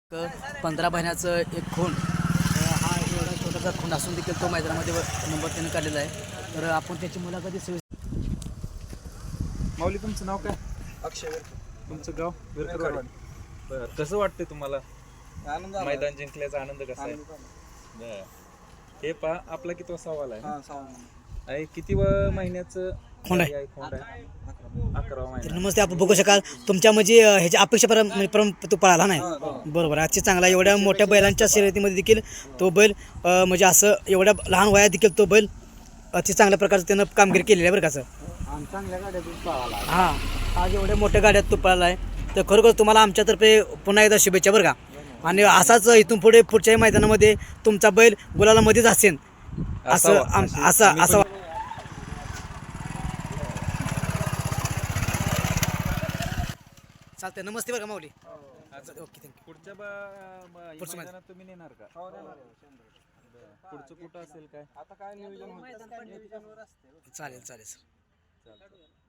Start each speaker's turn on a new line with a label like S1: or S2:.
S1: 15 महिन्याचं एक खोंड हा एवढा छोटासा खोंड असून देखील तो मैदानामध्ये नंबर त्याने काढलेला आहे. तर आपण त्याची मुलाखत
S2: माऊली तुमचं नाव काय?
S3: अक्षय
S2: तुमचं गाव विरकरवाडी. बरं, कसं वाटतंय तुम्हाला
S3: आनंद
S2: मैदान जिंकल्याचा आनंद कसा आहे? बरं. हे पहा आपला किती सवाल आहे किती महिन्याचं
S1: खोंड आहे.
S2: खोंड आहे 11वा महिना.
S1: नमस्ते. आपण बघू शकाल तुमच्या म्हणजे ह्याच्या अपेक्षा तो पळाला नाही बरोबर. आजची चांगला एवढ्या मोठ्या बैलांच्या शर्यतीमध्ये देखील तो बैल म्हणजे असं एवढ्या लहान वयात देखील तो बैल अति चांगल्या प्रकारचं त्यानं कामगिरी केलेली आहे बरं का सर.
S3: चांगल्या गाड्यातून पळाला.
S1: हां, आज एवढ्या मोठ्या गाड्यात तो पळाला आहे. तर खरोखर तुम्हाला आमच्यातर्फे पुन्हा एकदा शुभेच्छा बरं का. आणि असाच इथून पुढे पुढच्याही मैदानामध्ये तुमचा बैल गुलालामध्येच असेल असं असं चालतंय. नमस्ते बरं का माऊली. Okay, thank you.
S2: पुढच्या मैदानात तुम्ही नेणार का? पुढचं कुठं असेल काय?
S3: आता काय नियोजन
S1: चालेल चालेल सर.
S2: चालतं.